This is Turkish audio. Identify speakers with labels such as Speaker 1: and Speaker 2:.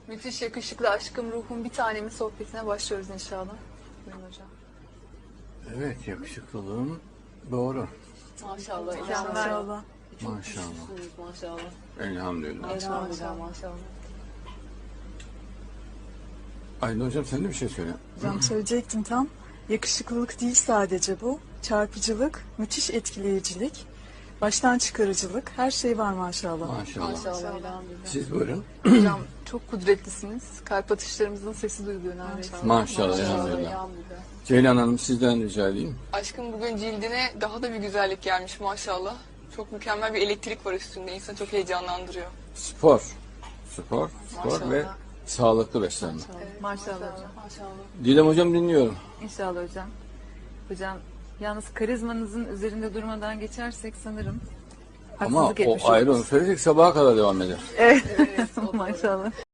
Speaker 1: Müthiş yakışıklı aşkım ruhum bir tanemin sohbetine başlıyoruz inşallah. Buyurun hocam.
Speaker 2: Evet, yakışıklılığım doğru.
Speaker 1: Maşallah.
Speaker 3: Maşallah.
Speaker 2: Maşallah.
Speaker 1: Maşallah.
Speaker 2: Elhamdülillah.
Speaker 1: Maşallah.
Speaker 2: Aydın hocam sen de bir şey söyle.
Speaker 3: Hocam söyleyecektim tam. Yakışıklılık değil sadece bu. Çarpıcılık, müthiş etkileyicilik, baştan çıkarıcılık, her şey var maşallah.
Speaker 2: Maşallah.
Speaker 1: Maşallah. Elhamdülillah.
Speaker 2: Siz buyurun.
Speaker 1: Hocam çok kudretlisiniz. Kalp atışlarımızın sesi duyuluyor neredeyse.
Speaker 2: Maşallah. Elhamdülillah. Ceylan Hanım sizden rica edeyim.
Speaker 4: Aşkım bugün cildine daha da bir güzellik gelmiş maşallah. Çok mükemmel bir elektrik var üstünde. İnsanı çok heyecanlandırıyor.
Speaker 2: Spor. Spor
Speaker 1: Maşallah.
Speaker 2: ve sağlıklı beslenme.
Speaker 5: Maşallah hocam.
Speaker 1: Maşallah.
Speaker 2: Didem hocam dinliyorum.
Speaker 5: İnşallah hocam. Hocam yalnız karizmanızın üzerinde durmadan geçersek sanırım
Speaker 2: Ama
Speaker 5: haksızlık etmiş
Speaker 2: o ayrı
Speaker 5: oluruz.
Speaker 2: onu söyleyecek sabaha kadar devam eder.
Speaker 5: Evet. Maşallah.